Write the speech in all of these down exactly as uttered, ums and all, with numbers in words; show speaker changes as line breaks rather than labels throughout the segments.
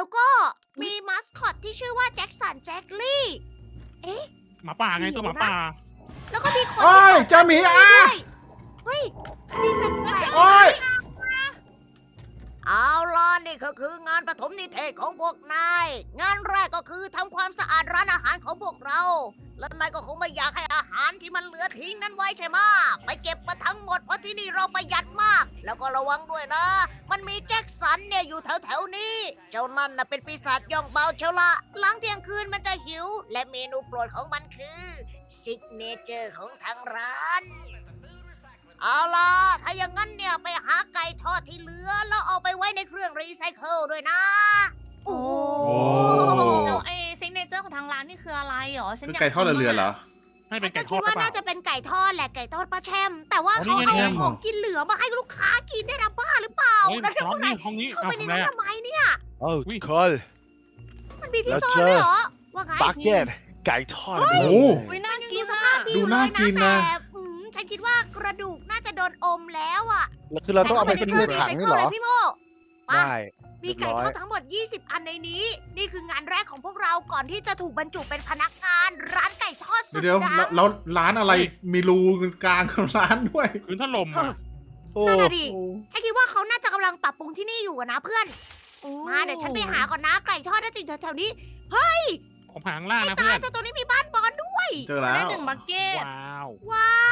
แล้วก็มีมาสคอตที่ชื่อว่าแจ็คสันแจ็คลี่ เอ๊ะ
หมาป่าไงตัวหมาป่า
แล้วก็มีคน
โอ้ย
ที่
เจ้าหมีอ่ะ
ด้วยเฮ้ยมีแปลกๆ
โอ้ย
เอาล่ะนี่ก็คืองานปฐมนิเทศของพวกนาย งานแรกก็คือทำความสะอาดร้านอาหารของพวกเรา และนายก็คงไม่อยากให้อาหารที่มันเหลือทิ้งนั้นไว้ใช่ไหมไปเก็บมาทั้งหมดเพราะที่นี่เราประหยัดมาก แล้วก็ระวังด้วยนะ มันมีแจ็คสันเนี่ยอยู่แถวแถวๆนี้ เจ้านั่นน่ะเป็นปีศาจย่องเบาเชียวละหลังเที่ยงคืนมันจะหิว และเมนูโปรดของมันคือซิกเนเจอร์ของทางร้าน เอาล่ะ ถ้าอย่างนั้นเนี่ยไปหาไก่ทอดที่เหลือ แล้วเอาไปไว้ในเครื่องรีไซเคิลด้วยนะ โอ้
แล้วไอ้ซิกเนเจอร์ของทางร้านนี่คืออะไรหรอฉัน
คือ
อยาก
ไก่ทอดเรือๆเหรอ
ให้เป็น
ก็
ไก่ท
คิ
อ
ด
ดหรื
ว่า
อเปล่า
น่าจะเป็นไก่ทอดแหละไก่ทอดป้าแชม แต่ว่า
อ๋อ
เขา
นี่ไง
เอาของกินเหลือมาให้ลูกค้ากินได้นะบ้าหรือเปล่า
เฮ้ย
แล้วเดี๋ยว
ร้อ
ข้าน งใน
นี่ห้องนี้
เข้า
เอา
ไปใน
ทำไร
นั้น
อะ
ทำไมเนี่ย
โอ้
อุ๊
ทุ
ย
กคน
มันมีที่
แล้ว
ซ่อน
เจอ
ด้วยเหรอ ว่าไง
บักเก็ตไก่ทอด
โอ้โห
อุ้ยน่า
มัน
กิ
ดู
น
ส
อะ
ภาพดี
ดู
เล
น่าย กิน
นะ
นะ
แต่อืมฉันคิดว่ากระดูกน่าจะโดนอมแล้วอ่ะ
แล้วคือเราต้องเอาไปเป็น
ใส่
ใน
เข้า
ถัง
ใน
นี่เหรอ
เคงรีไซเคิลเลยพี่โมมา
ได้
มีไก่ทอดทั้งหมด ยี่สิบ อันในนี้ นี่คืองานแรกของพวกเราก่อนที่จะถูกบรรจุเป็นพนักงานร้านไก่ทอดสุด
เดี๋ยว
ดัง
แล้วแล้วร้านอะไรมีรูกลางของร้านด้วย
คืนถล่มอ่ะ
โอ้
นั่นน่ะดิแค่คิดว่าเขาน่าจะกำลังปรับปรุงที่นี่อยู่อะนะเพื่อน
โอ้
มาเดี๋ยวฉันไปหาก่อนนะไก่ทอดน่าจะอยู่แถวๆนี้
ของผางล่าง
ไม่
นะ
ตา
เพื่
ย
อน
แต่ตัวนี้มีบ้านบอลด้วย
เจอแล้
ได้
ว
หนึ่งบักเก็ต
ว้าว
ว้าว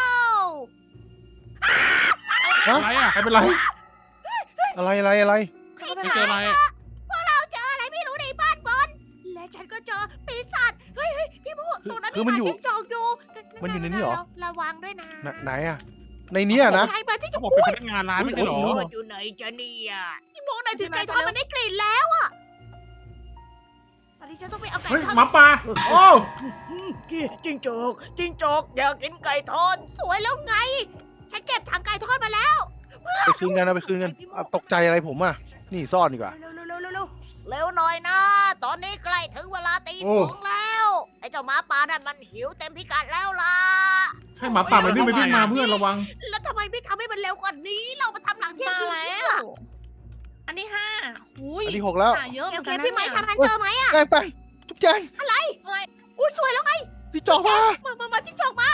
ฮะ
อะไรอ่ะ
ไม่เป็นไร
อะไรอะไรอะไร
ไม่เจออะไรอะ
พวกเราเจออะไรไม่รู้ในบ้านบอลและฉันก็เจอปีศาจเฮ้ยเฮ้ยพี่พูดตรงนั้น
คือมันอยู่
จิ้งจอกอยู่
มันอยู่ในนี้เหรอ
ระวังด้วยนะ
ไหนไหนอะในเนี้ยนะ
ใครมาที่
เขา
จะ
บอก
พู
เป็น
ด
พนักงานร้านไม่ใช่เหรอ
โอ้โห
อยู่ไหนจะเนี่ยพี่โมกนายถึงไก่ทอดมันได้กลิ่นแล้วอะตอนนี้ฉันต้องไปเอาไก่
เฮ้ย
ทอด
หมาป่าโอ้
จิ้งจอกจิ้งจอกอยากกินไก่ทอดสวยแล้วไง ฉันเก็บถังไก่ทอดมาแล้ว
ไปคืนกันเอาไปคืนกันอ่ะตกใจอะไรผมอ่ะ นี่ซ่อนดีกว่า
เร็วเร็วเร็วเร็วเร็วเร็วหน่อยนะ ตอนนี้ใกล้ถึงเวลาตีสองแล้ว ไอ้เจ้าหมาป่านั่นมันหิวเต็มพิกัดแล้วล่ะ
ใช่หมาป่ามันวิ่งไปวิ่งมาเพื่อนระวัง
แล้วทำไมไม่ทำให้มันเร็วกว่านี้ เรามาทำหลังเที่ยง
มา
คืน
แล้
เนี่ยว
อันที่ห้าอุ้ย
อันที่หกแล้ว
หาเยอะเห
โอ
มือน
เค
กันนะ
พี่ไม้
เนี่ย
ทางนั้นเจอไหมอะ
แป้งแป้งจุ๊บแจง
อุ้ยสวยแล้วไง
ที่จอกมา
มามามาที่จอกมา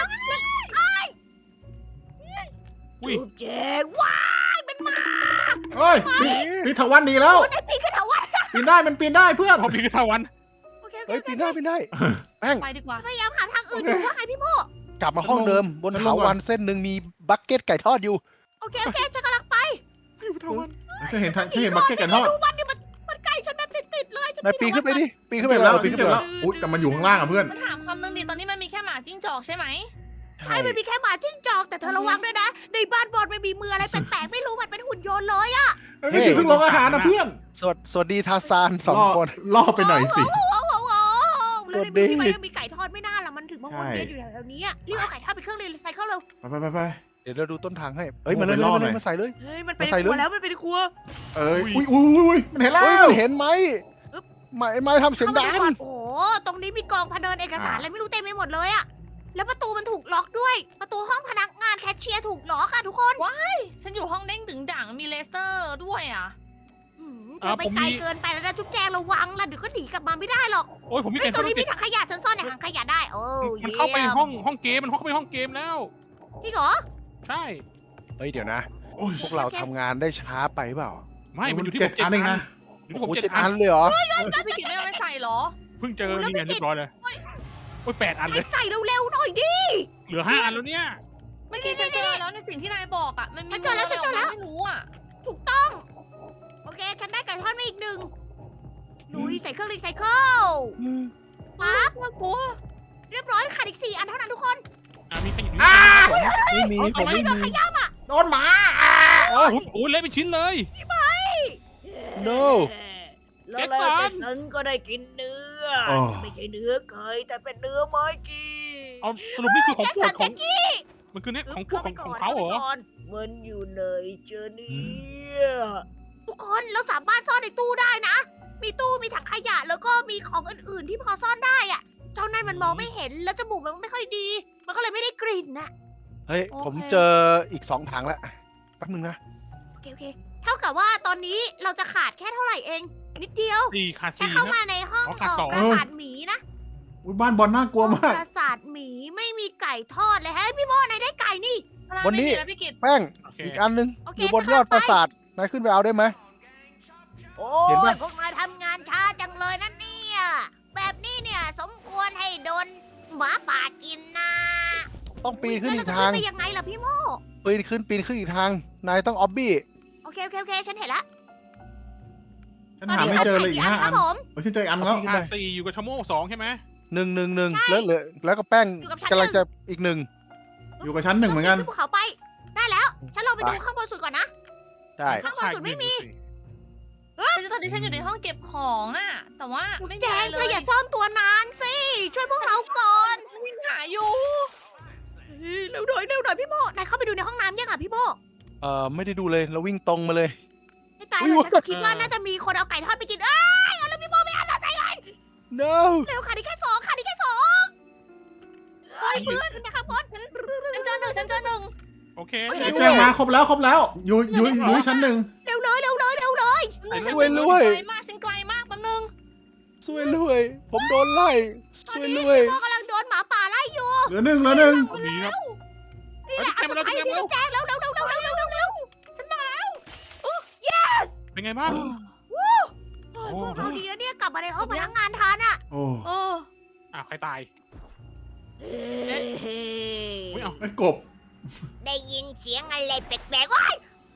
อุ้ย
จุ๊บแจงว้ายมันมา
เฮ้ยปีปีถาวันหนีแล้ว
โอ้ยไอ้ปีนขึ้นเถาวัลย์
ปีนได้มันปีนได้เพื่อน
พอพีกทาวัน
โอเคโอเค
เฮ้ยปีนได้ปีนได้แป้ง
ไปดีกว่า
พยายามหาทางอื่นดูว่าไงพี่โม
กลับมาห้องเดิมบน
ฉันล
เถาง
ก่อน
วันเส้นหนึ่งมีบักเก็ตไก่ทอดอยู่
โอเคโอเคฉันกำลังไป
ฉันเห็นฉันเห็นบักเก็ตไก่ทอด
ดูมันดิมันมันใกล้ฉันแบบติดๆเลยฉั
นายปีนขึ้นไปดิปีนขึ้นไป
เจ็บ
แล้
แล้ว ว
ปี
ปี
น
น
ขึ้น
เจ็บ
ไป
แล้วอุ้ยแต่มันอยู่ข้างล่างอ่ะเพื่อน
มันถามคำนึงดิตอนนี้มันมีแค่หมาจิ้งจอกใช่ไหม
ใช่มันมีแค่หมาจิ้งจอกแต่เธอระวังด้วยนะ ในบ้านบอลมันมีมืออะไรแปลกๆไม่รู้มันเป็นหุ่นยนต์เลยอะ
เฮ้ยมันอยู่ที่โรงอาหารนะเพื่อน
สวัสสวัสดีทาซานสอง
ล่อ
คน
ล่อไปหน่อยสิ
ว้าวว้าวว้าวแล้วใน
สวัสดี
มือพี่ไม้ยังมีไก่ทอดไม่น่าละมันถึงมาวนเวียนอยู่แถวๆนี้อะรีบเอาไก่ทอดไปเครื่องรีไซเคิลเร็ว
ไปไปไปไป
เดี๋ยวเราดูต้นทางให้เอ้ยมาเลย
โอ้
มา
ไปล่อหน่
เลย
อย
มาใส่เลย
เฮ้ยมันเป็น
มาใส่
ค
เลย
รัวแล้วมันเป็นครัว
เอ้ยอุ้ยอุ้ยอุ้ยมันเห็นแล้
เฮ้ยว มันเห็นไหมไม่ไม่ทำเสียงดัง
ข้ามาก่อนโอ้โหตรงนี้มีกองพะเนินเอกสารอะไรไม่รู้เต็มไปหมดเลยอะแล้วประตูมันถูกล็อกด้วย ประตูห้องพนักงานแคชเชียร์ถูกล็อกอะทุกคน
ฉันอยู่ห้องเด้งดึงด่างมีเลเซอร์ด้วยอ่ะ
หืมเธอไปไกลเกินไปแล้วนะจุ๊บแจงระวังล่ะเดี๋ยวก็หนีกลับมาไม่ได้หรอก
โอ้ยผมมี
เฮ้
ไก่
ย
ท
ต
อ
ร
ด
งนี้มีถังขยะฉันซ่อนในถังขยะได้ โอ้
มันเข้าไป
ยี่ย
ห้องห้องเกมมันเข้าไปห้องเกมแล้ว
จริงเหรอ
ใช่
เฮ้ยเดี๋ยวนะ
โอ้ย
พวกเราทำงานได้ช้าไปเปล่า
ไม่มันอยู่ที่
เจ็
ผ
ด
มเจ็ด
อันเองนะ
อยู่ที่
โอ้
ผม
โห
เจ็
เจ็
ด
ด
อั
อั
น
นเลยเหรอ
แล้วพี่กิจไม่เอาไปใส่เหรอ
เพิ่งเจอนี่ไงเรียบร้อยเลยโอ้ยแปดอันเลย
ใส่เร็วๆหน่อยดิ
เหลือห้าอันแล้วเนี่ย
เมื่อกี้ฉันเจอแล้วในสิ่งที่นายบอกอ่ะ มันมี
ฉันเจอแล้วฉันเจอแล้ว
ไม่รู้อ่ะ
ถูกต้อง โอเค ฉันได้ไก่ทอดมาอีกหนึ่งลุยใส่เครื่องรีไซเคิลปั๊บ
น่ากลัว
เรียบร้อยขาดอีกสี่อันเท่านั้นทุกคน
อ่ะมีใครอยู่
อ่า
ไม่มีผมไม่มี
โดนหมาอ่า
โอ้โหโอ้ยเละเป็นชิ้นเลย
no
แล้วแล้วเสร็จฉันก็ได้กินเนื้อ
โอ้
ไม่ใช่เนื้อไก่แต่เป็นเนื้อไม้จี
เอาสรุปนี่คือของ
แจ็ค
โปร
สั
ด
น
ขอ
แจ็
ง
คกี้
มันคือเนี่ยของโปรดของของเขาเหรอ
มันอยู่ไหนเจอเนี่ยทุกคนเราสามารถซ่อนในตู้ได้นะ มีตู้มีถังขยะแล้วก็มีของอื่นๆที่พอซ่อนได้อะเจ้านั่นมันมองไม่เห็นแล้วจมูกมันไม่ค่อยดี มันก็เลยไม่ได้กลิ่นนะ
เฮ้ยผมเจออีกสองถังแล้วแป๊บนึงนะ
โอเคโอเค เท่ากับว่าตอนนี้เราจะขาดแค่เท่าไหร่เองนิดเดียว
สี่ขาด
ฉัน
สี่
เข้า
ครับ
มาในห้อง
อ๋อขาดสอง
เอ่อปราสาทหมีนะ
อุ้ยบ้านบอลน่ากลัวมาก
ปราสาทหมีไม่มีไก่ทอดเลยเฮ้ยพี่โมนายได้ไก่นี่
บนนี้
ไม่มีแล้วพี่กิต
แป้ง
โอเค
อีกอันนึง
โอเค
อยู่บน
จะ
ยอด
เข้าไป
ปราสาทนายขึ้นไปเอาได้ไหม
โอ้
เห็นปะ
ยพวกนายทำงานช้าจังเลยนะเนี่ย แบบนี้เนี่ยสมควรให้โดนหมาป่ากินนะ
ต้องปีนขึ้นอีก
แล้ว
ทาง
เรจะขึ้นไปยังไงล่ะพี่โม
ปีนขึ้นปีนขึ้นอีกทาง นายต้องออบบี้
โอเคโอเคโอเคฉันเห็นละ
ฉันหาไม่เจอเลยอีกห้า
ค
อั
รั
น
บผม
เออฉันเจออีกอันแล้ว
ขาดสี่อยู่กับชะโม่สองใช่ไหม
หนึ่งหนึ่งหนึ่งแล้วเหลือแล้วก็แป้ง
อยู่กับฉัน
กำลัง
หนึ่ง
จะอีกหนึ่ง
อยู่กับชั้นหนึ่งเหมือนกัน
ขึ้นภูเขาไป ได้แล้ว ฉันลองไปดูข้างบนสุดก่อนนะ
ได้
ข้างบนสุดไม่มี
คือตอนนี้ฉันอยู่ในห้องเก็บของอะแต่ว่าไม่มี
แจ
อะไร
ง
เล
เธอย อย่าซ่อนตัวนานสิ ช่วยพวกเราก่อน
วิ่งหาอยู่
เฮ้ยเร็วหน่อยเร็วหน่อยพี่โมนายเข้าไปดูในห้องน้ำยังอ่ะพี่โม
เอ่อไม่ได้ดูเลยเราวิ่งตรงมาเลย
ไม่ตาย
อุ๊ย
เลยฉันก็คิดว่าน่าจะมีคนเอาไก่ทอดไปกินเอ้ยเอาแล้วพี่โมไม่เอาแล้วใจเลย
no
เร็วค่ะนี่แค่สองค่ะนี่แค่สองเฮ้ยเพื่อนขึ้นไปข้างบน
ฉันเจอหนึ่งฉันเจอหนึ่ง
โอเค
โอเค
แจ้งมาครบแล้วครบแล้ว อยู่อยู่อยู่ที่ชั้นหนึ่ง
เร็วเลยเร็วเลยเร็วเลย
ไหน
ฉัน
รวยรวย
ไกลมากฉันไกลมากแป๊บนึง
สวยรวย ผมโดนไล่
ตอ
ส
น
วย
นี้
รวย
พี่โมกำลังโดนหมาป่าไล่อยู่
เหลือหนึ่งเหลือหนึ่ง
วันนี้ครับ
นี่แหละอันสุดท้ายที่เราแจ้งเร็วเร็วเร็วเร็วเร็วเร็วเร็วเร็วฉันมาแล้ว
เป็นไงบ้าง
โอ้ยพวกเราดีนะเนี่ยกลับมาในห้องพนักงานทันอ่ะ
โอ้
เออ
อ้าวใครตาย
เฮ้ย
อุ้ยเอา
ไอ้กบ
ได้ยินเสียงอะไรแปลกๆว้าย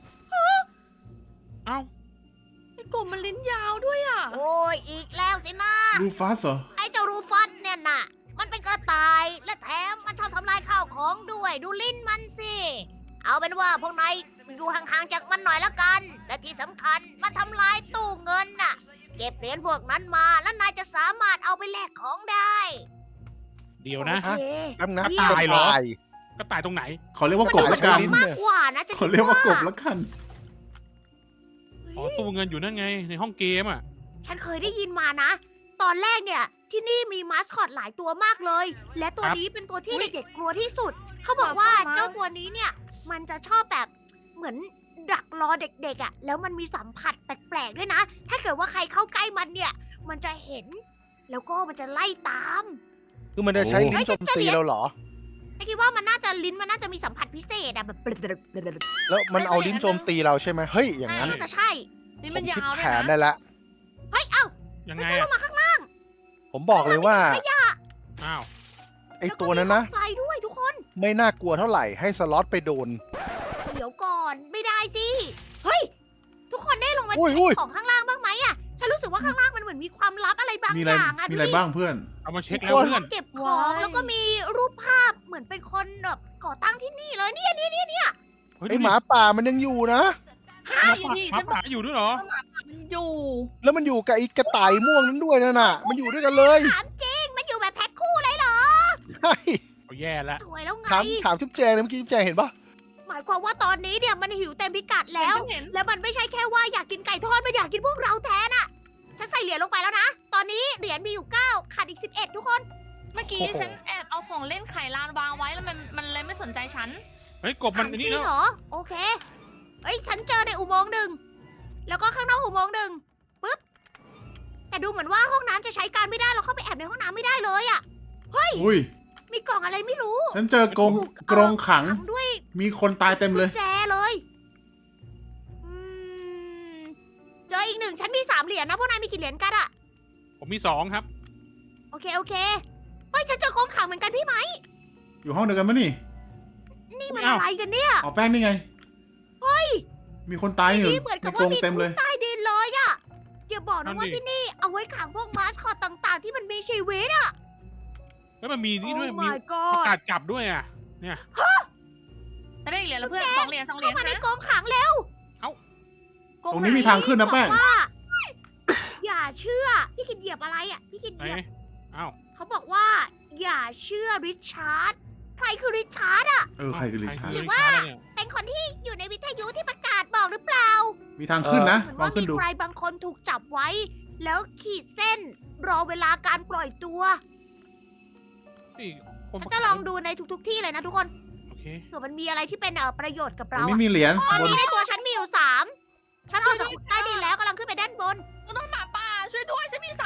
เอ้า
ไอ้กบมันลิ้นยาวด้วยอะ
โอ้ยอีกแล้วสินะ
ลูฟัสเหรอ
ไอ้เจ้ารูฟัสเนี่ยน่ะ มันเป็นกระต่ายและแถมมันชอบทำลายข้าวของด้วยดูลิ้นมันสิ เอาเป็นว่าพวกนายอยู่ห่างๆจากมันหน่อยละกัน และที่สำคัญมันทำลายตู้เงินน่ะ เก็บเหรียญพวกนั้นมาแล้วนายจะสามารถเอาไปแลกของได้
เดี๋ยวนะ
โอเค
แป๊บนะ
เยี่ยม
ตายเหรอ
ตาย
ก็ตายตรงไหน
ขอเรียกว่ากบละกัน
มากกว่านะจะ
ขอเรียกว่ากบละกัน
อ๋อตู้เงินอยู่นั่นไงในห้องเกมอ่ะ
ฉันเคยได้ยินมานะ ตอนแรกเนี่ย ที่นี่มีมาสคอตหลายตัวมากเลย และตัว
ครับ
นี้เป็นตัวที่เด็กๆกลัวที่สุด เขาบอกว่าเจ้าตัวนี้เนี่ย มันจะชอบแบบเหมือนดักรอเด็กๆอะ่ะ แล้วมันมีสัมผัสแปลกๆด้วยนะ ถ้าเกิดว่าใครเข้าใกล้มันเนี่ย มันจะเห็น แล้วก็มันจะไล่ตาม
คือมันจะใช้ลิ้นโจมตีเราเหรอ
ไอ้คิดว่ามันน่าจะลิ้นมันน่าจะมีสัมผัสพิเศษอะแบบ
แล้วมันเอาลิ้นโจมตีเราใช่ไหมเฮ้ย อย่างนั้น
น่าจะใช่
ลิ้น
ผ
มัน
ม
ยา
คิด
ว
แผ
ด้วย
น
นะ
ได้ละ
เฮ้ย เอ้า
ยัง
ไม่
ไง
ใช่ล
อ่ะ
งมาข้างล่าง
ผมบอกเลยว่า
ขยะ
อ้าว
ไอ้ตัวนั้นนะ
แล้วก็มีของไฟด้วยทุกคน
ไม่น่ากลัวเท่าไหร่ให้สล็อตไปโดน
เดี๋ยวก่อนไม่ได้สิ เฮ้ย ทุกคนได้ลงมา
อุ้ย
เช็
อุ้ย
คของข้างล่างบ้างไหมอะฉันรู้สึกว่าข้างล่างมันเหมือนมีความลับอะไรบาง
มี
อ
อะไร
ย่างอะ
มีอะไร
ดูดิ
บ้างเพื่อน
เอามาเช็คแล้วเพื่อน
เก็บของแล้วก็มีรูปภาพเหมือนเป็นคนแบบก่อตั้งที่นี่เลยเนี่ยเนี่ยเนี่ย
เฮ้ย
ไอหมาป่ามันยังอยู่นะ
หมาป่าหมาป่าอยู่ด้วยเหรอ
มันอยู่
แล้วมันอยู่กับไอ้กระต่ายม่วงนั้นด้วยนั่นน่ะ มันอยู่ด้วยกันเลย
ถามจริงมันอยู่แบบแพ็คคู่เลยเหรอ
ใช่
เอาแย่แล้ว
สวยแล้วไง
ถามถามจุ๊บแจงเลยเมื่อกี้จุ๊บแจงเห็นปะ
หมายความว่าตอนนี้เนี่ยมันหิวเต็มพิกัดแล้ว
ฉันเห็น
แล้วมันไม่ใช่แค่ว่าอยากกินไก่ทอดมันอยากกินพวกเราแทนอะฉันใส่เหรียญลงไปแล้วนะ ตอนนี้เหรียญมีอยู่เก้าขาดอีกสิบเอ็ดทุกคน
เมื่อกี้ฉันแอบเอาของเล่นไขลานวางไว้แล้วมันมันเลยไม่สนใจฉัน
เฮ้ยกบมันอัน
จ
นี้
ริง
แล้ว
เหรอ โอเค เฮ้ย ฉันเจอในอุโมงค์หนึ่ง แล้วก็ข้างนอกอุโมงค์หนึ่งปึ๊บ แต่ดูเหมือนว่าห้องน้ำจะใช้การไม่ได้ เราเข้าไปแอบในห้องน้ำไม่ได้เลยอะ
อุ้ย
มีกล่องอะไรไม่รู้
ฉันเจอกรงกรงขัง
ขังด้วย
มีคนตายเต็มเลย
กุญแจเลยอืมเจออีกหนึ่ง ฉันมีสามเหรียญนะ พวกนายมีกี่เหรียญกันอะ
ผมมีสองครับ
โอเค โอเค เฮ้ย ฉันเจอกรงขังเหมือนกันพี่ไหม
อยู่ห้องเดียวกันมั้ยนี่
นี่มัน
อ้าว
อะไรกันเนี่ย
อ๋อแป้งนี่ไง
เฮ้ย
มีคนตายอยู่
นี่เหมือน
ใน
กับ
กร
ว่าง มี
เต็ม
คุ
เล
ก
ย
ใต้ดินเลยอะอย่าบอก
นั่
นะ
น
ว่า
ดิ
ที่นี่เอาไว้ขังพวกมาสคอตต่างๆ ที่มันมีชีวิตอะ
เฮ้ยมันมีนี่ด้วย
Oh
มี
my
ประ
god
กาศจับด้วยอ่ะ เนี่ย
จะได้เหรียญแล้วเพื่อนสองเหรียญสองเหรีย
เข้า
ญ
มาใน
นะ
กองขังเร็ว
กง
ตรงนี้มีทางขึ้นนะแป้ง
บอกว่า อย่าเชื่อ พี่คิดเหยียบอะไรอ่ะ พี่คิด
ไห
เห
น
ยียบ
อ้าว
เขาบอกว่า อย่าเชื่อริชาร์ด ใครคือริชาร์ดอ่ะ
เออใครคือลิชาร์ด
หรือว่า เป็นคนที่อยู่ในวิทยุที่ประกาศบอกหรือเปล่า
มีทางขึ้นนะ
เหมือน
ลอง
ว่า
ขึ้
มี
นดู
ใครบางคนถูกจับไว้ แล้วขีดเส้น รอเวลาการปล่อยตัว
นี่คน
ฉันจะลองดูในทุกๆที่เลยนะทุกคน
โอเค
เผื่อมันมีอะไรที่เป็นเอ่อประโยชน์กับ
ตร
เรา
งนี้
อะ
มีเหรียญ
ตอน
บน
นี้ในตัวฉันมีอยู่สามฉันออกจากใต้ดินแล้วกำลังขึ้นไปด้านบน
ก็ต้องหมา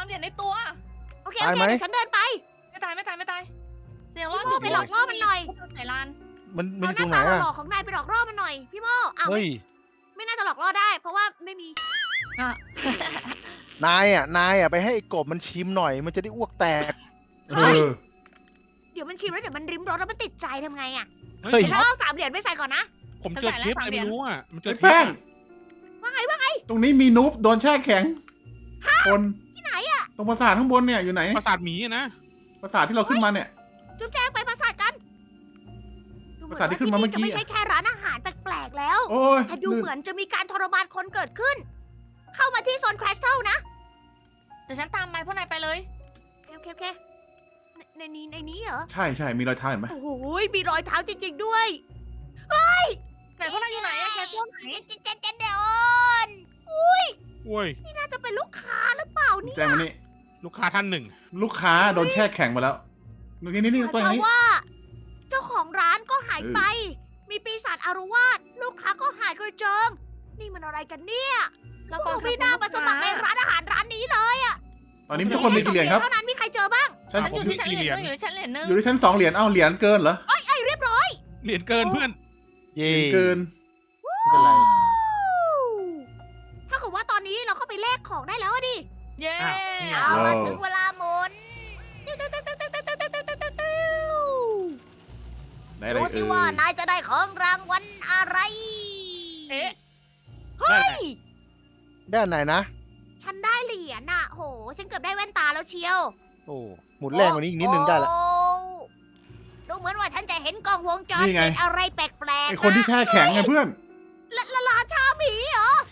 เหรียญในตัว
โอเคโอเคเดี๋ยวฉันเดินไป
ไม่ตายไม่ตายไม่ตายเสียงรอด
พี่โม่ไปหลอกล่อมันหน่อย
ไข่ลาน
มันมัน
เอา
อ
ห
ยู่
น้า
ตรงไหน
ตาห
อะ
ล่อๆของนายไปหลอกล่อมันหน่อย พี่โม่อ้าว
เฮ้
ไม่
ย
ไม่น่าจะหลอกล่อได้ เพราะว่าไม่มี
อ่ะ
นายอ่ะนายอ่ะไปให้ไอ้กบมันชิมหน่อย มันจะได้อ้วกแตก
เออ
เดี๋ยวมันชิมแล้วเดี๋ยวมันริมรสแล้วมันติดใจทำไงอะ
เฮ้
เฮ้
ย
ย
ฉันเอาสามเหรียญไปใส่ก่อนนะ
ผมเจอเทปอะไรไม่รู้อ่ะมันเจอ
ไอ้
เทป
แป้ง
อะ
ว่าไงว่าไง
ตรงนี้มีนูบโดนแช่แข็ง คน
ที่ไหนอะ
ตรงปราสาทข้างบนเนี่ยอยู่ไหน
ปราสาทหมีอะนะ
ปราสาทที่เราขึ้นมาเนี่ย
จุ๊บแจงไปปราสาทกันดูเห
ปราสาทที่ขึ้นมาเมื่อกี้
จะไม่ใช่แค่ร้านอาหารแปลกๆแล้ว
โอ้ย
แต่ดู
ลื่น
เหมือนจะมีการทรมานคนเกิดขึ้น เข้ามาที่โซนคริสตัลนะ
เดี๋ยวฉันตามไปพวกนายไปเลย
โอเคโอเคในในนี้ในนี้เหรอ
ใช่ใช่มีรอยเท้าเห็นไหม
โอ้โหมีรอยเท้าจริงๆด้วย
ไหนพวกนายอยู่ไหนอะแคทตัวไหน
เจนเจนเจนเดอน
โอ้ย
นี่น่าจะเป็นลูกค้าหรือเปล่าเนี่ย
แจ้งมานี่
ลูกค้าท่านหนึ่ง
ลูกค้าโดนแช่แข็งมาแล้วนี่นี่นี่
เพ
ตัว
ราะ
นี้
ว่า เจ้าของร้านก็หาย
เออ
ไป มีปีศาจอารวาสลูกค้าก็หายกระเจิง นี่มันอะไรกันเนี่ย
เรา
พ
ก็
วกพี่น่ามาสมัครในร้านอาหารร้านนี้เลย
ตอนนี้ทุกคนมีกี่เหรียญครับ
เท่านั้นมีใครเจอบ้าง
ฉัน
ฉันอยู่ที่ชั้นเหรียญนึงอยู่ที่ชั้นเหรียญนึง
อยู่ที่ชั้นสองเหรียญเอ้าเหรียญเกินเหรอ
ไอ้เรียบร้อย
เหรียญเกินเพื่อน
เย่
เกิน
ไม่เป็นไร
ถ้าเกิดว่าตอนนี้เราเข้าไปแลกของได้แล้วอะดิ
เย้
อ้าว
เอาละ
ว้าว
ถึงเวลาหมุน
ได้อะไร
ดู
เอ
สิ
อ
ว่านายจะได้ของรางวัลอะไร
เอ๊ะ
ได้ไหม
ด้านไหนนะ
ฉันได้เหรียญอะโห ฉันเกือบได้แว่นตาแล้วเชียว
โอ้หมุนแรงกว่านี้อีกนิดนึงได้ละ
โอ้ดูเหมือนว่าฉันจะเห็นกล้องวงจรปิดอะไรแปลกๆ
ไอคนที่แช่แข็งไงเพื่อน
ละละลาชาหมีเหรอ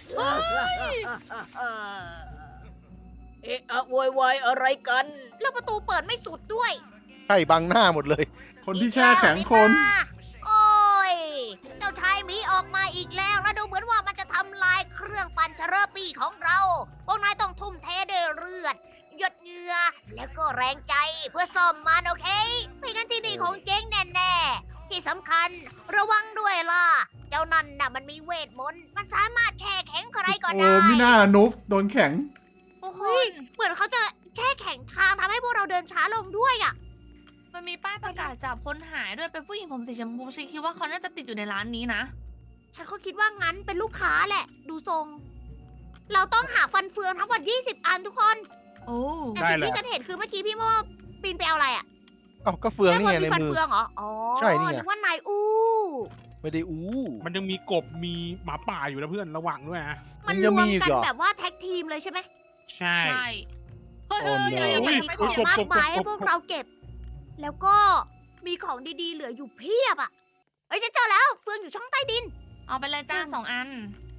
เอ๊ะอะโวยวายอะไรกัน แล้วประตูเปิดไม่สุดด้วย
ใช่บังหน้าหมดเลย
คนที่แช่แข็งคน
โอ้ย เจ้าชายหมีออกมาอีกแล้ว แล้วดูเหมือนว่ามันจะทำลายเครื่องปั่นเชอร์ปี้ของเรา พวกนายต้องทุ่มเทด้วยเลือด หยดเหงื่อ แล้วก็แรงใจเพื่อซ่อมมันโอเค ไม่งั้นที่นี่คงเจ๊งแน่ๆ ที่สำคัญระวังด้วยล่ะ เจ้านั่นน่ะมันมีเวทมนต์ มันสามารถแช่แข็งใครก็
โอ้
ได้
ไม่น่าละนูบโดนแข็ง
โอ้โห
เฮ้ย เหมือนเขาจะแช่แข็งทางทำให้พวกเราเดินช้าลงด้วยอ่ะ
มันมีป้ายประกาศจับคนหายด้วยเป็นผู้หญิงผมสีชมพูฉันคิดว่าเขาน่าจะติดอยู่ในร้านนี้นะ
ฉันก็คิดว่างั้นเป็นลูกค้าแหละ ดูทรง เราต้องหาฟันเฟืองทั้งหมดยี่สิบอันทุกคน
โอ้
แต่
ได้
สิ่ง
เลย
ที่ฉันเห็นคือเมื่อกี้พี่โมปีนไปเอาอะไรอ่ะ
เอ้าก็เฟืองนี่ไง
ด้าบ
ใน
มีฟัน
มือ
เฟืองเหรอ อ๋อ
ใช่นี่ไง
นึกว่านายอู้
ไม่ได้อู้
มันยังมีกบมีหมาป่าอยู่นะเพื่อนระวังด้วยนะ
มัน
ยั
รง ว
มี
ม
อีก
กัน
เหรอ
แบบว่าแท็กทีมเลยใช่ไหม
ใช่
ใช่เฮ้ย
โอ้
เฮ้ย
โห
เฮ้ย
มี
ไม่
ของ
เกี่ยว
มากมาย
กบกบ
ให้พวกเราเก็บ แล้วก็มีของดีๆ เหลืออยู่เพียบอ่ะเฮ้ยฉันเจอแล้ว เฟืองอยู่ช่องใต้ดิน
เอาไปเลยจ้าสองอัน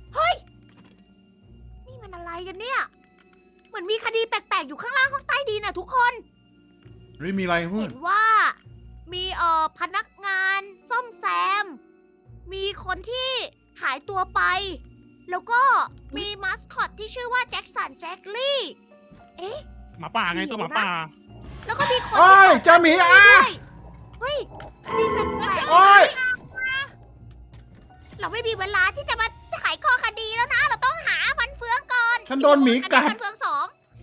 นี่มันอะไรกันเนี่ย เหมือนมีคดีแปลกๆ อยู่ข้างล่างห้องใต้ดินอ่ะทุกคน
ไม่มีอะไรเพื่อ
เห็
น
นว่ามีเอ่อพนักงานซ่อมแซม มีคนที่หายตัวไป แล้วก็มีมาสคอตที่ชื่อว่าแจ็คสันแจ็คลี่ เอ๊ะ
หมาป่าไงตัวหมาป่า
แล้วก็มีคน
โอ้ย
ที่
เจ้าหมีอ่ะ
ด้วยเฮ้ยคดีแปลก
โอ้ย
ๆเราไม่มีเวลาที่จะมาไขข้อคดีแล้วนะ เราต้องหาฟันเฟืองก่อน
ฉันโดนหมีกัด
ฟันเฟืองสอง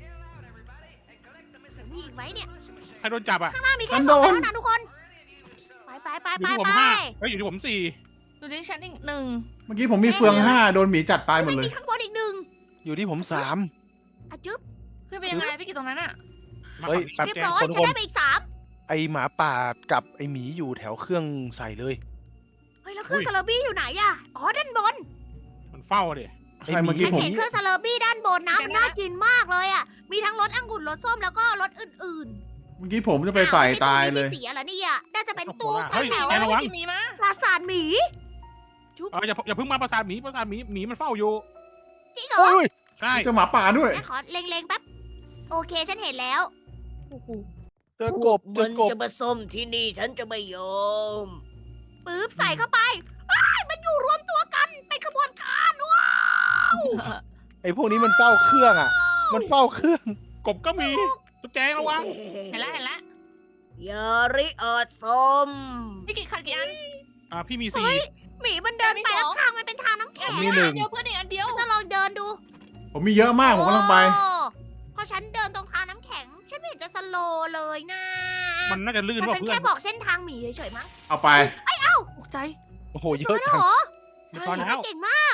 มีอีกไหมเนี่ย
ใครโดนจับอ่ะ
ข้างหน้ามี
ฉั
แค่
น
ส
โด
อง
น
เท่านั้นทุกคน ไปไปไป
อยู่
ไป
ที่ผม
ไป
ห้าเฮ้ยอยู่ที่ผมสี่
อยู่ที่ชั้นอีกหนึ่ง
เมื่อกี้ผมมีเฟืองห้าโดนหมีจัดตายหมดเลย
มีข้างบนอีกหนึ่ง
อยู่ที่ผมสาม
อะจึ๊บ
ขึ้นไปยังไงพี่กิตตรงนั้นอะ
มา
เฮ้ย
ฝั่ง
เรียบ
นี้แจ้ง
ร้อย
คน
ฉันได้ไปอีกสาม
ไอหมาป่ากับไอหมีอยู่แถวเครื่องใส่เลย
เฮ้ยแล้วเครื่องซาลาบี้อยู่ไหนอะอ๋อด้านบน
มันเฝ้าอะดิ
ใช่เมื่อกี้
ฉัน
ผม
เห็นเครื่องซาลาบี้ด้านบนนะมันน่ากินมากเลยอะมีทั้งรสองุ่นรสส้มแล้วก็รสอื่น
เมื่อกี้ผมจะ
ๆ
ไปใส่
อ้ว
ตายเลย
ไอ้ตู้นี้มีสีอะไรเนี่ยน่าจะเป็นตู้
เฮ้ย
แถว
แกระวัง
พี่มีมา
ปราสาทหมี
เอออย่าอย่าเพิ่งมาปราสาทหมีปราสาทหมีหมีมันเฝ้าอยู่
จริงเหรอ
โอ้ย
ใช่
เจ้าหมาป่าด้วย
งั้นขอเล็งๆแป๊บโอเคฉันเห็นแล้วโอ้โห
เจอกบเจอกบ
จะมาส้มที่นี่ฉันจะไม่ยอมปึ๊บใส่เข้าไปอ้ายมันอยู่รวมตัวกันเป็นขบวนการว้าว
ไอพวกนี้มันเฝ้าเครื่องอ่ะ มันเฝ้าเครื่อง
กบก็มีตุ๊กแจงระวัง
เห็นแล้วเห็นแล้ว
ยาริเอิดส้ม
พี่กิตขาดกี่อัน
อ่าพี่มีสี่
เฮ้ยหมีมันเดินไป
มีส
แล้
อ
ว
ง
ทางมันเป็นทางน้ำแข็ง
มีหนึ่ง
เดียวเพื่อนอีกอันเดียว
จะลองเดินดู
ผมมีเยอะมากผมกำลังไป
โอ้เพราะฉันเดินตรงทางน้ำแข็ง ฉันไม่เห็นจะสโลว์เลยนะ
มันน่าจะลื่น
มัน
ว่า
เป็น
เพื่อ
แค่
น
บอกเส้นทางหมีเฉยๆมั้ง
เอาไป
ตกใจ
โอ้โหเย
เฮ้
อะ
ย
จัง
เหรอ
เรียบร้อยแล้ว
เก่งมาก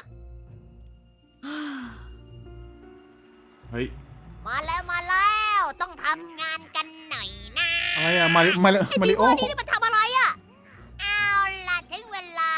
เฮ้ย
มาแล้วมาแล้วต้องทำงานกันหน่อยนะ
อะไรอะมาริมาริ
ไอ้
มา
บี
ริ
เว
โอ
อร์นี่นี่มันทำอะไรอะเอาล่ะถึงเวลา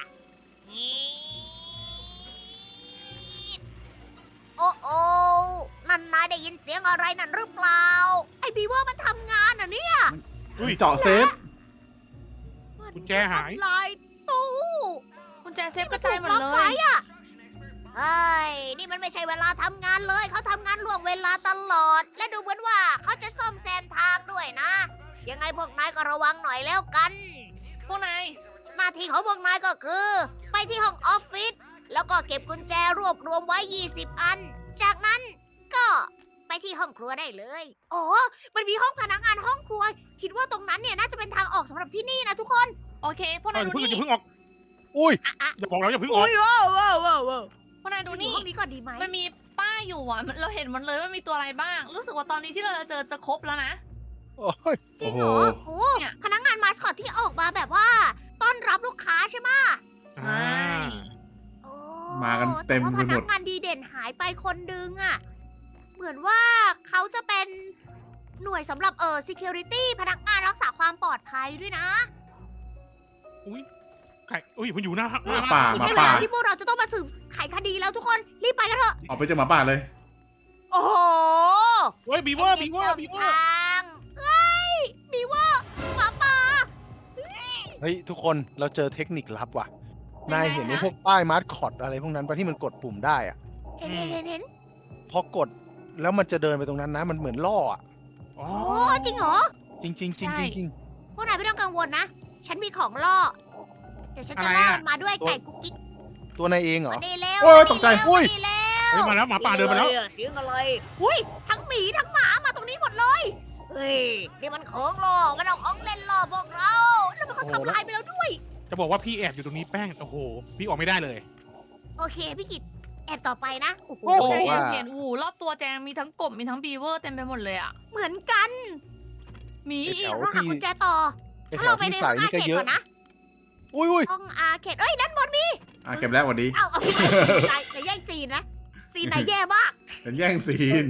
โอ้โอ้นั่นนายได้ยินเสียงอะไรนั่นหรือเปล่า ไอ้บีเวอร์มันทำงานอ่ะเนี่ย
อุ้ย
เจาะเซฟ
กุญแจหาย
ทำลายตู้
กุญแจเซฟกระจายหมด
ล็อก
เล
ไว้
ย
อะเฮ้ย นี่มันไม่ใช่เวลาทำงานเลย เขาทำงานล่วงเวลาตลอด และดูเหมือนว่าเขาจะซ่อมแซมทางด้วยนะ ยังไงพวกนายก็ระวังหน่อยแล้วกัน
พวกนาย
หน้าที่ของพวกนายก็คือ ไปที่ห้องออฟฟิศ แล้วก็เก็บกุญแจรวบรวมไว้ ยี่สิบ อัน จากนั้นก็ไปที่ห้องครัวได้เลย อ๋อ มันมีห้องพนักงานห้องครัว คิดว่าตรงนั้นเนี่ยน่าจะเป็นทางออกสำหรับที่นี่นะทุกคน
โอเค พวกาย
เอนอ
ดู
อย่าเพิ่งอย่า
นี่
เพิ่งออก
อุ้ย
อย่าบอกเราอย่าเพิ่งออก
ว้าวว้าวว้าวว้าว
พวกนายดูนี่
ห้องนี้ก่อนดีไหม
มันมีป้ายอยู่อ่ะ เราเห็นมันเลยว่ามีตัวอะไรบ้าง รู้สึกว่าตอนนี้ที่เราจะเจอจะครบแล้วนะ
โอ้ย
จริงเหรอ
โอ้โห
โอ้
เนี่ย
พนักงานมาสคอตที่ออกมาแบบว่า ต้อนรับลูกค้าใช่ไหม
อ่า
โอ้
มากันเต็ม
แต่ว่า
ไป
พ
หม
นั
ด
กงานดีเด่นหายไปคนดึงอะเหมือนว่าเขาจะเป็นหน่วยสำหรับเออ security พนักงานรักษาความปลอดภัยด้วยนะ
อุ้ยไก่อุ้ยมันอยู่หน้า
หมาป่า
ไม่ใช่เวลาที่พวกเราจะต้องมาสืบไขคดีแล้วทุกคน รีบไปกันเถอะ
ออกไปจากหมาป่าเลย
โอ้โห
เฮ้ยบีเวอร์บีเวอร์บีเวอร์
ทางเฮ้ยบีเวอร์หมาป่า
เฮ้ยทุกคนเราเจอเทคนิคลับว่ะ
ยังไง
นายเห็นไอ้
คะ
พวกป้ายมาร์คอตอะไรพวกนั้นปะที่มันกดปุ่มได้อะ
เห็นเห็นเห็นเห็น
พอกดแล้วมันจะเดินไปตรงนั้นนะ มันเหมือนล่ออะ
อ๋อ
โอ้จริงเหรอ
จริงจริงจริง
ใช่
จริง
พวกนายไม่ต้องกังวลนะ ฉันมีของล่อ เดี๋ยวฉันจะล่อมันมาด้วยไก่กุ๊กกิ๊ก
ตัวนายเองเหรอ
มานี่เร็ว
โอ้ย
มานี่
ตกใจ
เร็ว
อุ้ย
มานี่เร็ว
เฮ้ยมาแล้วหมาป่าเดินมาแล้ว
เสียงอะไรอุ้ยทั้งหมีทั้งหมามาตรงนี้หมดเลย เฮ้ย นี่มันของล่อมันเอาของเล่นล่อพวกเรา แล้วมันก็ทำลายไปแล้วด้วย
จะบอกว่าพี่แอบอยู่ตรงนี้แป้งโอ้โหพี่ออกไม่ได้เลย
โอเคพี่กิตแอบต่อไปนะ โอ้โห
โอ้โห
แจง
ว่า
เห็นอูรอบตัวแจงมีทั้งกบมีทั้งบีเวอร์เต็มไปหมดเลยอ่ะ
เหมือนกัน
มี
ไอ้
อี
แถ
ก
ว
เราหา
ที่
กุญแจต่อ
ไอ้
ถ้า
แถ
เรา
ว
ไป
ที่
ใน
ใส่
ห้องอา
นี่ก็
เขต
เยอะ
ก่อนนะ
อุ้ยอุ้ย
ห้องอาเขตเอ้ยด้านบนมี
อ่ะเก็บแล้วหวัดดี
เอาเอาไปไหนไหนแย่งซีนนะ ซีนไหนแย่มาก
เป็นแย่งซีน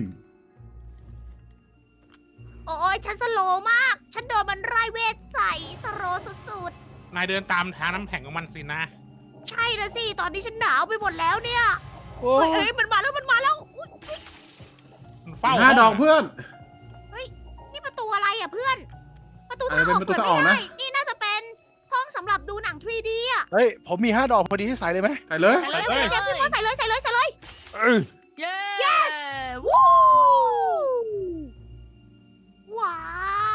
โอ้ยฉันสโลว์มาก ฉันโดนมันไล่เวทใส่สโลว์สุด
นายเดินตามทางน้ำแข็งของมันสินะ
ๆ ใช่นะสิ ตอนนี้ฉันหนาวไปหมดแล้วเนี่ย
โอ้
เฮ้ย
ย
เอ้ยมันมาแล้วมันมาแล้วอุ๊ย
มันเฝ้า
ห้าดอกเพื่อน
นี่ประตูอะไรอ่ะเพื่อน ประตู
อา
ทา
จ
ง
จะ
อ
เป็
อน ก
ประตู
เปิด
ทางออก
ไม่
นะ
ได้ นี่น่าจะเป็นห้องสำหรับดูหนัง ทรี ดี อ่ะ
เฮ้ยผมมีห้าดอกพอดีให้ใส่เลยไหม
ใส่เลย
ใส่เลยใส่เลยพี่ว่าใส่เลยใส่เลยใส่เลย
เออ
เย้
วู้ว้าว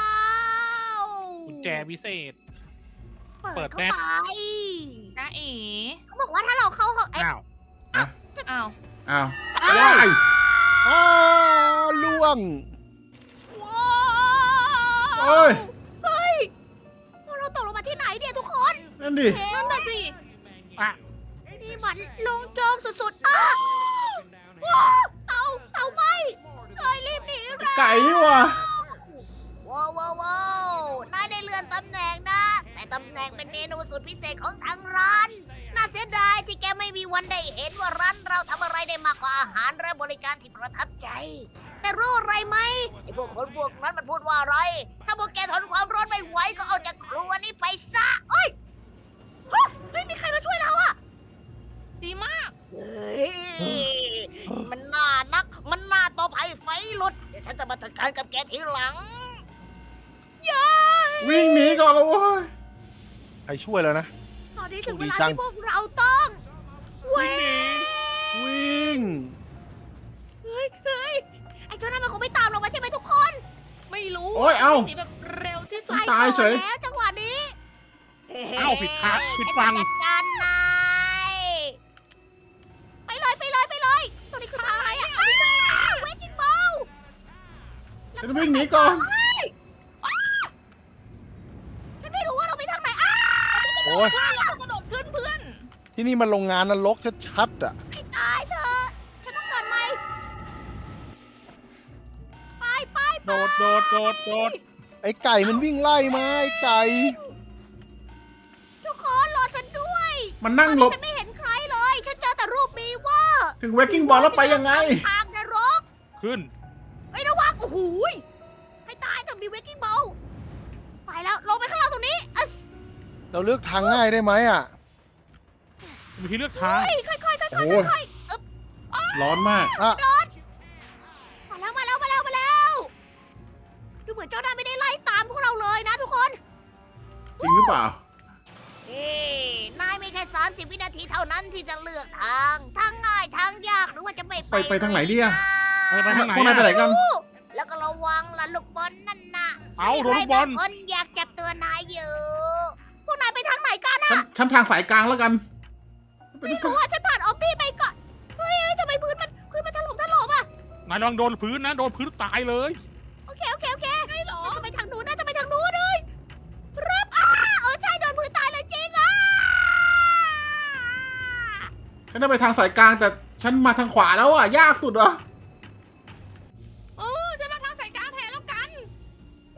กุญแจพิเศษ เปิ
เปิ
ด
ดเข้า
แป๊บ
ไป
จ้าเอ๋
เขาบอกว่าถ้าเราเข้าห้องเอ๊ะ
อ้าว
อ้าว
อ้าว
อ้าว
ว้าย
อ๋อล่วง
ว้าว
โอ้ย
เฮ้ยพวกเราตกลงมาที่ไหนเนี่ยทุกคน
นั่นดิ
เห็
นั่
น
นน่ะสิ
อ่ะ
นี่มันโลงโจงสุดๆอ้าว้าวเตาเตาไหมเอ้ยรีบหนีเร็ว
ไก่นี่ว่ะ
ว้าวว้าวว้าวนายได้เลื่อนตำแหน่งนะ แต่ตำแหน่งเป็นเมนูสุดพิเศษของทางร้าน น่าเสียดายที่แกไม่มีวันได้เห็นว่าร้านเราทำอะไรได้มากกว่าอาหารและบริการที่ประทับใจ แต่รู้อะไรไหมไอ้พวกคนพวกนั้นมันพูดว่าอะไร ถ้าพวกแกทนความร้อนไม่ไหวก็เอาจากครัวนี้ไปซะเอ้ยฮะเฮ้ยมีใครมาช่วยเราอะ
ดีมาก
เฮ้ยมันน่านัก มันน่าตบให้ไฟลุดเดี๋ยวฉันจะมาจัดการกับแกทีหลังย้าย
วิ่งหนีก่อนแล้วเว้ย
ใครช่วยแล้วนะ
ตอนนี้ถึงเวลา
ดีจัง
ที่พวกเราต้องเว้ย
วิ่ง
เฮ้ยเฮ้ยไอ้เจ้านั่นมันคงไม่ตามเรามาใช่ไหมทุกคน
ไม่รู้
โอ้ยเอ้า
หนีแบบเร็วที่สุด
ตายเฉย
ไปก่อนแล้วจังหวะนี้
เอ้าผิดทางผิดฟัง
ฉันจะจัดการนายไปเลยไปเลยไปเลยตัวนี้คือทางอะไรอะอ้าวเวจิงบอล
ฉันวิ่งหนีก่อน
ฉันไม่รู้ว่าเราไปทางไหนอ้าว
โอ้ย
เรากระโดดขึ้นเพื่อน
ที่นี่มันโรงงานนรกชัดๆอ่ะ
ให้ตายเถอะฉันต้องเกิดใหม่
โดดโดดโดดโดด
ไอ้ไก่มันวิ่งไล่มาไอ้ไก่
ทุกคนรอฉันด้วย
มันนั่งหลบ
ฉันไม่เห็นใครเลย ฉันเจอแต่รูปมีว่า
ถึงเวกกิ้งบอลแล้วไปยังไง
ทางนรก
ขึ้น
ไอ้ยระวังโอ้โหยให้ตายจะมีเวกกิ้งบอลไปแล้วลงไปข้างล่างตรงนี้อัส
เราเลือกทางง่ายได้ไหมอ่ะ
มีที่เลือกทาง
เฮ้ยค่อยๆค่อยๆค่
โอ้
อย
โห
ๆค่อยๆอึ๊บ
ร้อนมาก
อ่ะ
มาแล้วมาแล้วมาแล้วมาแล้วดูเหมือนเจ้าหน้าไม่ได้ไล่ตามพวกเราเลยนะทุกคน
จริงหรือเปล่า
เอ้นายมีแค่สามสิบวินาทีเท่านั้นที่จะเลือกทาง ทางง่ายทางยากหรือว่าจะไม่ไป
ไปไปทางไหนดีอะ
ไปไปทางไหน
พวกนายไปไหน
อะ
กัน
แล้วก็ระวังล่ะลูกบอลนั่นน่ะ
เอา
มี
โดน
ใคร
ลูกบอล
บางคนอยากจับตัวนายอยู่ พวกนายไปทางไหนกัน
ฉัน
อะ
ฉันทางสายกลางแล้วกัน
ไม่รู้อะฉันผ่านออฟฟี่ไปก่อน เฮ้ยเฮ้ยทำไมพื้นมันพื้นมันถล่มถล่มอะ
นายลองโดนพื้นนะ โดนพื้นตายเลย
โอเคโอเคโอเคใช่หรอจะไปทางนู้นนะจะไปทางนู้นเลยรับอ่าเออใช่โดนพื้นตายเลยจริงอ่ะ
ฉันจะไปทางสายกลางแต่ฉันมาทางขวาแล้วอ่ะ ยากสุดอ่ะ
เออจะมาทางสายกลางแทนแล้วกัน
โอ้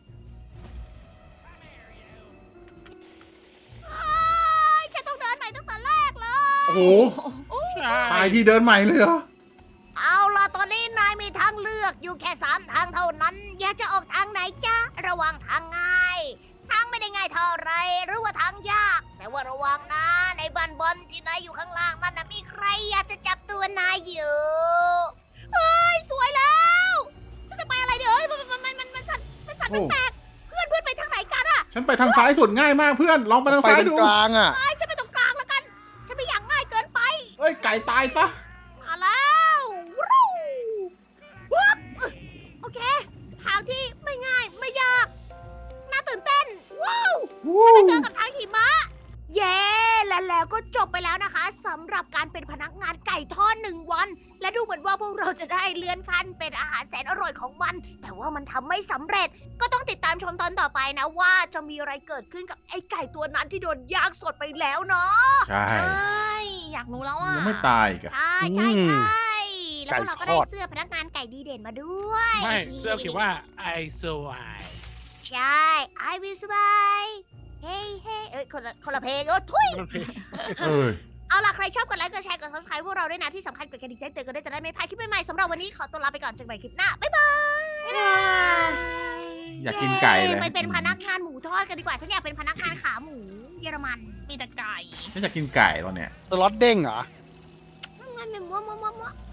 เอ้ยฉันต้องเดินใหม่ตั้งแต่แรกเลย
โอ้โห
ใช่
ตายที่เดินใหม่เลยเหรอ
เอาล่ะตอนนี้นายมีทางเลือกอยู่แค่สามทางเท่านั้น อยากจะออกทางไหนจ๊ะ ระวังทางง่าย ทางไม่ได้ง่ายเท่าไรหรือว่าทางยาก แต่ว่าระวังนะ ในบ้านบอลที่นายอยู่ข้างล่างนั่นนะมีใครอยากจะจับตัวนายอยู่เฮ้ยสวยแล้วฉันจะไปอะไรเดี๋ยวเฮ้ยมันมันมันมันมันสั่นมันสั่น
โอ้
แปลกๆเพื่อนเพื่อนไปทางไหนกันอะ
ฉันไปทางซ้ายสุดง่ายมากเพื่อน ลองไปทาง
ไป
ซ้าย
เป็น
ดู
กลางอ่ะ
ไอ้ฉันไปตรงกลางแล้วกัน ฉันไม่อยากง่ายเกินไป
เอ้ย ไก่ตายซะ
มาแล้ววู้วับอึ๊ะโอเค ทางที่ไม่ง่ายไม่ยาก น่าตื่นเต้น ว้าวไปเจอกับทางหิมะ เย้ และแล้วก็จบไปแล้วนะคะสำหรับการเป็นพนักงานไก่ทอดหนึ่งวัน และดูเหมือนว่าพวกเราจะได้เลื่อนขั้นเป็นอาหารแสนอร่อยของมัน แต่ว่ามันทำไม่สำเร็จ ก็ต้องติดตามชมตอนต่อไปนะว่าจะมีอะไรเกิดขึ้นกับไอ้ไก่ตัวนั้นที่โดนย่างสดไปแล้วเนาะ
ใช่
ใช่ อยากรู้แล้วอ่ะ
ยังไม่ตายอีกัน
ใช่ใช่
อืม
ใช่แล้วพวกเราก็ได้
ไก่ทอด
เสื้อพนักงานไก่ดีเด่นมาด้วย
ไม่ เสื้อเขียนว่า I survive
ใช่ I will survive เฮ้เฮ้เอ้ยคนละคนละเพลงเออทุย
เอ้ย
เอาล่ะ ใครชอบกดไลค์กดแชร์กดซับสไครต์พวกเราด้วยนะ ที่สำคัญกดกระดิ่งแจ้งเตือนกันด้วยจะได้ไม่พลาดคลิปใหม่ๆสำหรับวันนี้ขอตัวลาไปก่อนเจอกันใหม่คลิปหน้า บ๊ายบาย
อยากกินไก่เลย
ไปเป็นพนักงานหมูทอดกันดีกว่าฉันอยากเป็นพนักงานขาหมูเยอรมัน
มีแต่ไก่
ฉันอยากกินไก่ตอนเนี้ย
สล็อตเด้งเหรอ
งั้นหนึ่งมัวมัวมัวมัว